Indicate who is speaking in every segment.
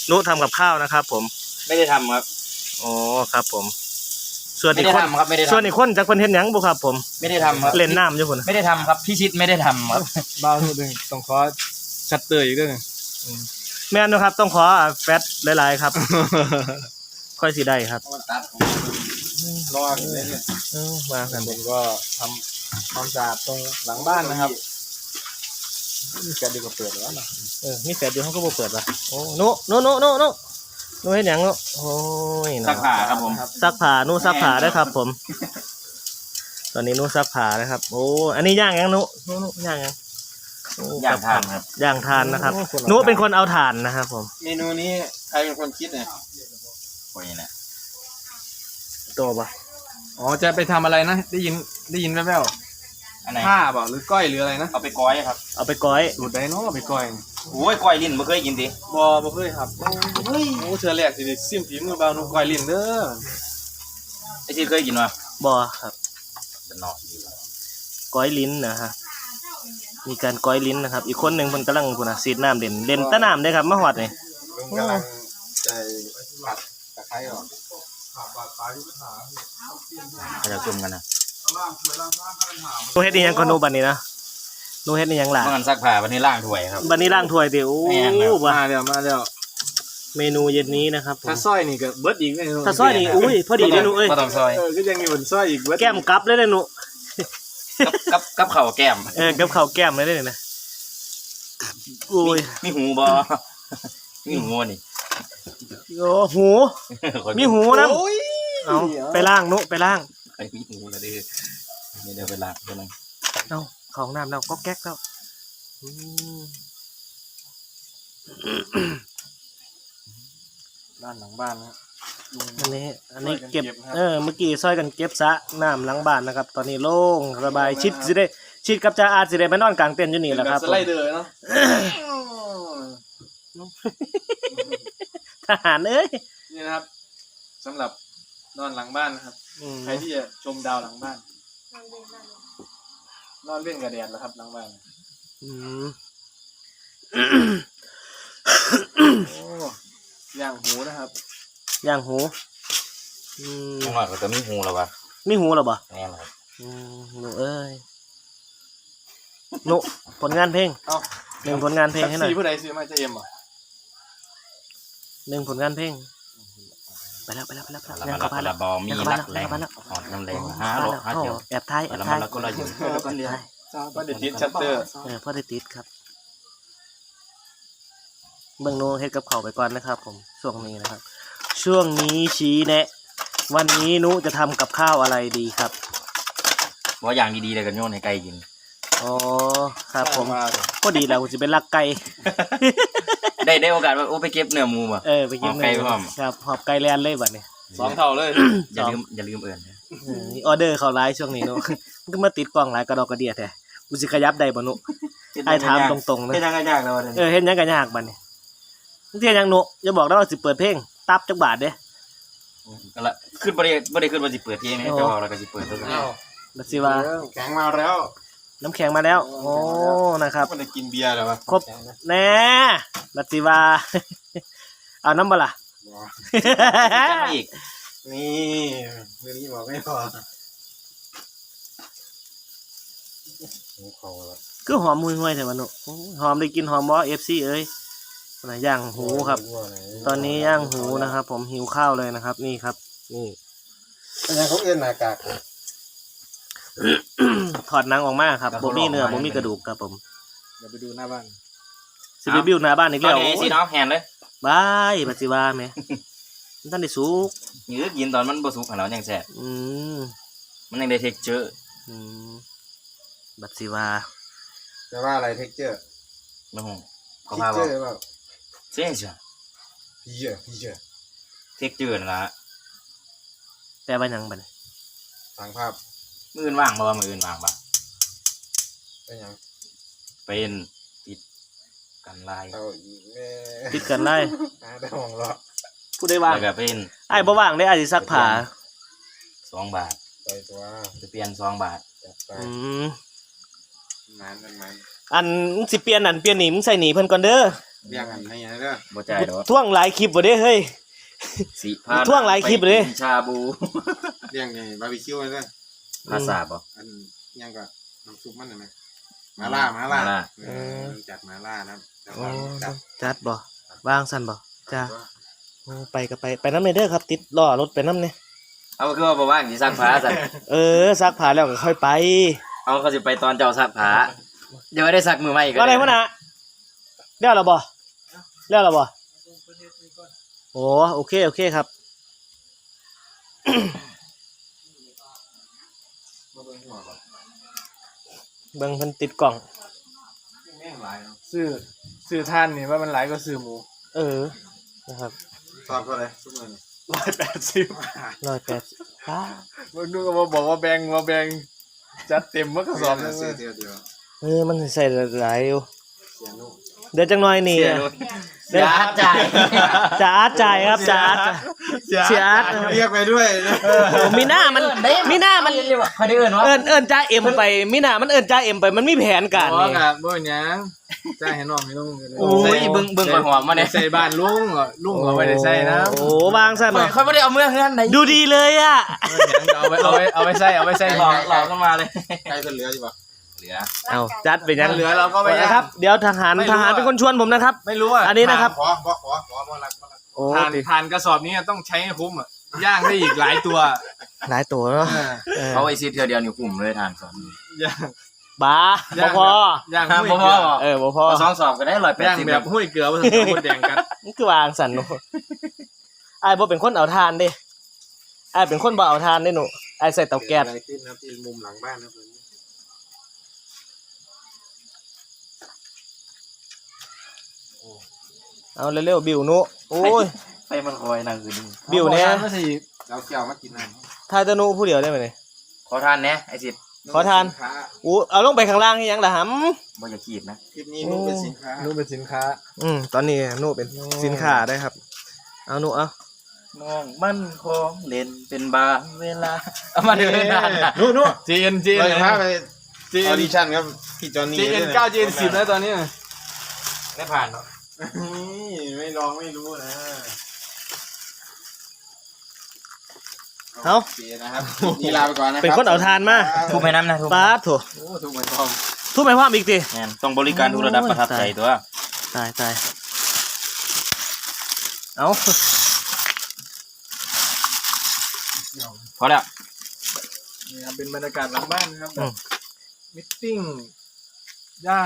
Speaker 1: นุทำกับข้าวนะครับผม
Speaker 2: ไม่ได้ทำครับ
Speaker 1: อ๋อครับผมส่วนอีกคน
Speaker 2: ครับไม่ได้ทำ
Speaker 1: ส่วนอีกคนจากคนเห็นหยังบุครับผม
Speaker 2: ไม่ได้ทำครับ
Speaker 1: เล่นน้ำอยู่คน
Speaker 2: ไม่ได้ทำครับพี่ชิดไม่ได้ทำครับ
Speaker 3: บ้าทุกเรื่องต้องขอชัดเตยอีกเรื่อง
Speaker 1: แม่นนะครับต้องขอแฟตหลายๆครับค่อยสิได้ครับ
Speaker 3: รออยู่เลยเนี่ย
Speaker 1: มากัน
Speaker 3: ผมก็ทำความสะอาดตรงหลังบ้านนะครับมีแกดีกว่าเปิดแล้วนะ
Speaker 1: มีแฟตอยู่เขาก็บ่เปิดป่ะโอ้นุเห็นหยังนุโอ้ย
Speaker 2: ซักผ้าครับผม
Speaker 1: ซักผ้านุซักผ้าได้ครับผมตอนนี้นุซักผ้านะครับโอ้อันนี้ย่างยังนุย่างยัง
Speaker 2: ย่างทานครับ
Speaker 1: ย่างทานนะครับนุเป็นคนเอาถ่านนะครับผม
Speaker 3: เมนูนี้ใครเป็นคนคิดเนี่ย
Speaker 2: คนนี้นะ
Speaker 1: ตัวปะ
Speaker 3: อ๋อจะไปทำอะไรนะได้ยินแว่วๆผ้าเปล่าหรือก้อยหรืออะไรนะ
Speaker 2: เอาไปก้อยครับ
Speaker 1: เอาไปก้อย
Speaker 3: สูตรใดเนาะเอาไปก้อย
Speaker 2: โอ้ยก้อยลิ้นไม่เคยกินดิ
Speaker 3: บ่เคยครับเฮ้ยโอ้เธอแรกสิซิมฝีมือบ่าวนุ่มก้อยลิ้นเด้อ
Speaker 2: ไอ้ที่เคยกินวะ
Speaker 1: บ่ครับ
Speaker 2: เป็นนอก
Speaker 1: ก้อยลิ้นนะฮะมีการก้อยลิ้นนะครับอีกคนหนึ่งมันกำลังพูนะซีดน้ำเด่นตะน้ำได้ครับมาหอดนี่
Speaker 3: กำลังใจผัดตะไคร้ออก
Speaker 2: เขาจะจุ่มกันนะ
Speaker 1: นูเฮ็ดนี่ยังคนนูบันนี้นะนูเฮ็ดนี่ยังหล่ะ
Speaker 2: มันซักผ้าวันนี้ล้างถ้วยครับ
Speaker 1: บันนี้ล้างถ้วยเดี๋ยว
Speaker 3: มาเดี๋ยว
Speaker 1: เมนูเย็นนี้นะครับ
Speaker 3: ถ้าซอยนี่ก็เบิดอีกเลย
Speaker 1: ถ้าซอยนี่อุ้ยพอดีเลยนูเอ้ย
Speaker 2: ก็ต้องซอย
Speaker 3: ก็ยังมีบนซอยอีกเบิด
Speaker 1: แก้มกับเลยเลยนู
Speaker 2: กับเข่าแก้ม
Speaker 1: กับข้าวแก้มเลยเลยนะอุ้ย
Speaker 2: มีหูบอมีหูนี่
Speaker 1: โอ้หูมีหูนะเอาไปล่างนุไปล่าง
Speaker 2: ไอ้มีหูละดินี่เดี๋ยวไปล้างเดี๋ยวนึง
Speaker 1: เอาของน้ำเราก็แก๊กแล้ว
Speaker 3: ด้านหลังบ้านนะ
Speaker 1: อันนี้เก็บเมื่อกี้ซอยกันเก็บซะน้ำหลังบ้านนะครับตอนนี้โล่งสบายชิดกับจ่าอาสิได้ไปนอนกลางเต็นท์อยู่นี่แหละครับ
Speaker 3: สไลเดอร์เนาะ
Speaker 1: ทหารเอ้ย
Speaker 3: นี่นะครับสำหรับนอนหลังบ้านนะครับใครที่จะชมดาวหลังบ้านนอนเล่นกับแดดแล้วครับหลังบ้านย่างหูนะครับ
Speaker 1: ย่างหู
Speaker 2: ข้างนอกก็จะมีหูแล้วปะ
Speaker 1: มีหูแล้วปะ
Speaker 2: แน่นครับ
Speaker 1: หนูเอ้ยหนูผลงานเพลงหนึ่งผลงานเพลงให้หน่อย
Speaker 3: ผู้ใดซื้อมาจะเอ็มอ่ะ
Speaker 1: หนึ่งผลงานเพลงไปแล้ว
Speaker 2: แล้วก็ละบอมีรักแรงหอดน้ำแรง5 เที่ยว
Speaker 1: แอบท้าย
Speaker 2: แล้วก็เราอยู่แล้วก็เรียน
Speaker 3: พ่อเด็ดติดชัตเตอร์
Speaker 1: พ่อเด็ดติดครับเบื้องโน้เฮ็ดกับเขาไปก่อนนะครับผมช่วงนี้นะครับช่วงนี้ชี้แนะวันนี้นุจะทำกับข้าวอะไรดีครับ
Speaker 2: ว่าอย่างดีๆเลยกันโยนให้ไก่กิน
Speaker 1: อ๋อครับผมก็ดีแล้วจะเป็นลักไก่
Speaker 2: ได้โอกาสว่าโอ้ไปเก็บเนื้อหมูป่ะ
Speaker 1: ไปเก็บเนื้อครับหอบไก่แลนเลยบัดนี้
Speaker 3: 2 เท่าเลย
Speaker 2: อย่าลืมเอิญ
Speaker 1: ออเดอร์เขาไลฟ์ช่วงนี้นุมันก็มาติดกล้องหลายกระดอกกระเดียแท้กูสิขยับได้บ่นุไอ้ถามตรงๆนะ
Speaker 2: เฮ็ดยังยากแล้ว
Speaker 1: เฮ็ดยังก็ยากบัดนี้เที่ยยังนุอย่าบอกได้ว่าสิเปิดเพลงตับจักบาทเด้
Speaker 2: ก็ละขึ้นบ่ได้ขึ้นว่าสิเปิดเพลงนี่จะบอกแล้วก็สิเปิดตัวนี้
Speaker 1: บัดสิว่า
Speaker 3: แข็งมาแล้ว
Speaker 1: น้ำแข็งมาแล้วโอ้นะครับ
Speaker 3: มันจะกินเบียร์แล้ววะ
Speaker 1: ครบแน่บัดสิว่าเอาน้ำบ่ล่ะ
Speaker 2: อีก
Speaker 3: นี่เรื่องนี้บอกไม่พอ
Speaker 1: คือหอมห่วยๆแต่ว่านุหอมได้กินหอมบ่ FC เอ้ยย่างหูครับตอนนี้ย่างหูนะครับผมหิวข้าวเลยนะครับนี่ครับนี่
Speaker 3: อะไรเขาเอื้อนหน้ากาก
Speaker 1: ถอดหนังออกมาครับบ่มีเนื้อบ่มีกระดูกครับผม
Speaker 3: เดี๋ยวไปดูหน้าบ้าน
Speaker 1: สิไปบิวหน้าบ้านอีกแล้ว
Speaker 2: สิน้องแฮนเลย
Speaker 1: บายบัดสิว่าแม่ท่านได้สุก
Speaker 2: ยืดยินตอนมันบ่สุกหั่นแล้วยังแซ่บมันยังได้เท็กเจอร์
Speaker 1: บัดสิว่า
Speaker 3: จะว่าอะไรเท็กเจอร์
Speaker 2: บ่ฮู้
Speaker 3: เขาพาบอก
Speaker 2: เจ๊จ้ะ
Speaker 3: พี่เจอ
Speaker 2: เท็กเจอร์นั่นล่ะ
Speaker 1: แปลว่าหยังบัด
Speaker 3: ทางภาพ
Speaker 2: มื้ออื่นว่างบ่มื้ออื่นว่างบ่
Speaker 3: เป็นหยัง
Speaker 2: เป็นติดกันลาย
Speaker 1: ติดกันไล่
Speaker 3: ได้มองรอ
Speaker 1: ผู้ได้ว่าง
Speaker 2: แล้วก็เป็น
Speaker 1: ไอ้บ่ว่างได้อาจสิซักผ้า
Speaker 2: 2 บาท
Speaker 3: ไปตัว
Speaker 2: จะเปลี่ยน2 บาท
Speaker 3: มัน
Speaker 1: อันสิเปลี่ยนอันเปลี่ยนหนีมึงใส่หนีเพิ่นก่อนเด้อ
Speaker 3: เรียกกันให้ยังไงเด้อ
Speaker 2: บ่จ่ายดอก
Speaker 1: ท่วงหลายคลิปบ่เด้เฮ้ย
Speaker 2: สิพา
Speaker 1: ท่วงหลายคลิปเลย
Speaker 2: ไปกินชาบู
Speaker 3: เรียกไงบาร์บีคิวเลยเด้อ
Speaker 2: ภาษาบ่
Speaker 3: อันยังก็น้ำซุปมันเห็นไหมมาล่า
Speaker 2: มาล่า
Speaker 3: จัดมาล่านะครับแต่
Speaker 1: โอ้
Speaker 3: ว่าจัด
Speaker 1: จัดบ่วางสั่นบ่จ้าโอ้ไปก็ไปนำเด้อครับ ติดล้อรถไปนำเนี่ย
Speaker 2: เอาคือว่าบ่ว่างสิซักผ้าซั่น
Speaker 1: ซักผ้าแล้วก็ค่อยไป
Speaker 2: เอาเขาสิไปตอนเจ้าซักผ้าเดี๋ยวได้ซักมือใหม่อีก
Speaker 1: ว่าอะไรวะนะแล้วเหรอบ่โอ้โอเคครับ เบิ่งเพิ่นติดกล่อง
Speaker 3: แม่งหลายเนาะ
Speaker 4: ซื้อท่านนี่ว่ามันหลายก็ซื้อหมู
Speaker 1: นะครับ
Speaker 3: ตอบเท่าไหร่ทุกคน
Speaker 4: 180
Speaker 1: 180ป้า
Speaker 4: มึงดูก็มาบอกว่าแบงจัดเต็มเมื่อกระสอบนึง
Speaker 3: ซื้อเดียว
Speaker 1: มันใส่หลายอยู่
Speaker 3: เสียนุ่ม
Speaker 1: เดี๋ยวจังหน่อยนี่
Speaker 2: เสียด้วยอย่าจ่าย
Speaker 1: จะอาร์ตจ่ายครับจะอาร์ตเสียอาร์ต
Speaker 3: เรียกไปด้วยนะ
Speaker 1: มีหน้ามัน
Speaker 2: เขาได้เอิ้นว่า
Speaker 1: เอิ้นจ้าเอ็มไปมีหน้ามันเอิ้นจ้าเอ็มไปมันมีแผนการ
Speaker 4: บอก
Speaker 1: นี่
Speaker 4: อ่ะบ่เป็นหยังจ่ายให้น้องให้น้อง
Speaker 2: โอ้ยเบิ่งก่อนหอมมาเนี่ย
Speaker 4: ใส่บ้านลุงอ่ะลุงก็ไม่ได้ใส่นะ
Speaker 1: โอ้วางซะหน่อย
Speaker 2: เขาไม่ได้เอาเมื่อเฮือนไหน
Speaker 1: ดูดีเลยอ่ะ
Speaker 4: เอาไปใส่
Speaker 2: หลอกเข้ามาเลย
Speaker 3: ใครจะเหลืออยู่ปะ
Speaker 2: เหลือ
Speaker 1: เอาจัดไปยัง
Speaker 4: เหลือเราก็ไป
Speaker 1: นะครับ เดี๋ยวทหารเป็นคนชวนผมนะครับ
Speaker 4: ไม่รู้อ่ะ
Speaker 1: อันนี้นะครับ
Speaker 3: ขอบ่รัก
Speaker 1: โอ้
Speaker 4: ทานกระสอบนี้ต้องใช้ให้คุ้มอ่ะย่างได้อีกหลายตัว
Speaker 1: หลายตัวเนาะเออ
Speaker 2: เขาไอซีเทือเดียวนี่กลุ่มเลยทานสอน
Speaker 4: ย่าง
Speaker 1: บ้าบ่พอย่าง
Speaker 4: หุ้ยเกลือ
Speaker 1: บ่พอ
Speaker 2: เอา2 สอบก็ได้
Speaker 4: ย่าง
Speaker 2: 180
Speaker 4: แบบหุ้ยเกลือผสมกับแดงกัน
Speaker 1: นี่คือวางสันหนูไอ้ายบ่เป็นคนเอาทานเด้ไอ้ายเป็นคนบ่เอาทานเด้หนูไอ้ายใส่เตาแก๊ส
Speaker 3: อะไรขึ้นนะที่มุมหลังบ้านนะเพื่อน
Speaker 1: เอาเร็วๆบิวหนูโอ้ย
Speaker 2: ไปมันคอยนั่งคืนนึง
Speaker 1: บิวเนี่ย
Speaker 4: ก็สิ
Speaker 3: เราเกี่ยวมากินน้ำ
Speaker 1: ทายแตะหนูผู้เดียวได้ไหมเนี่ย
Speaker 2: ขอทานแหน่ไอซิด
Speaker 1: ขอทาน อู้เอาลงไปข้างล่างให้ยังล่ะห
Speaker 2: บ่อย่าขีดนะ
Speaker 3: คลิปนี้นุ่มเป็นสินค้า
Speaker 4: นู่นเป็นสินค้า
Speaker 1: ำตอนนี้หนูเป็นสินค้าได้ครับ เอาหนูเอา
Speaker 2: น้องมันของเล่นเป็นบางเวลาเอามาเดินนานน่ะ
Speaker 3: นู่น
Speaker 4: จีน
Speaker 3: เราจะพาไปออดิชั่นครับพี่จอนนี่
Speaker 4: จีน9จีน10แล้วตอนนี้
Speaker 2: ได้ผ่านเนาะ
Speaker 3: นี่ไม่ลองไม่รู้นะ
Speaker 1: เอา
Speaker 3: โอเคนะครับนี่ลาไปก่อนนะครับ
Speaker 1: เป็นคนเอาทานมา
Speaker 2: ทุบให้น้ำนะทุบ
Speaker 1: ป้าดโถ
Speaker 3: โอ้ถูกเหมือนทอม
Speaker 1: ทุบไปพร้อมอีกที
Speaker 2: แม่นต้องบริการทุกระดับประทับใจตัว
Speaker 1: ตายเอา
Speaker 2: พอแล้ว
Speaker 4: นี่ครับเป็นบรรยากาศหลังบ้านนะครับแบบมิทติ้งย่าง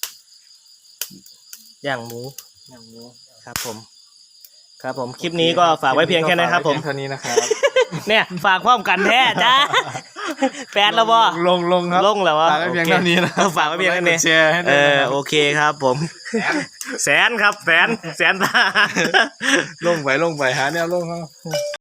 Speaker 1: ย่างหมู
Speaker 4: อย่างหมู
Speaker 1: ครับผม ครับผมคลิปนี้ก็ฝากไว้เพียงแค่นี้ครับผม
Speaker 4: เท่านี้นะครับ
Speaker 1: เนี่ยฝากพร้อมกันแท้จ้าแฟนแล้วบ่
Speaker 4: ลงครับ
Speaker 1: ลงแล้ววะ
Speaker 4: ฝากไว้เพียงเท่านี้นะ
Speaker 1: ฝากไว้เพียงเท่านี้
Speaker 4: แชร์ให้ด้วยนะครับ
Speaker 1: โอเคครับผม แสนครับแสนตา
Speaker 4: ลงไปหาแนวลงครับ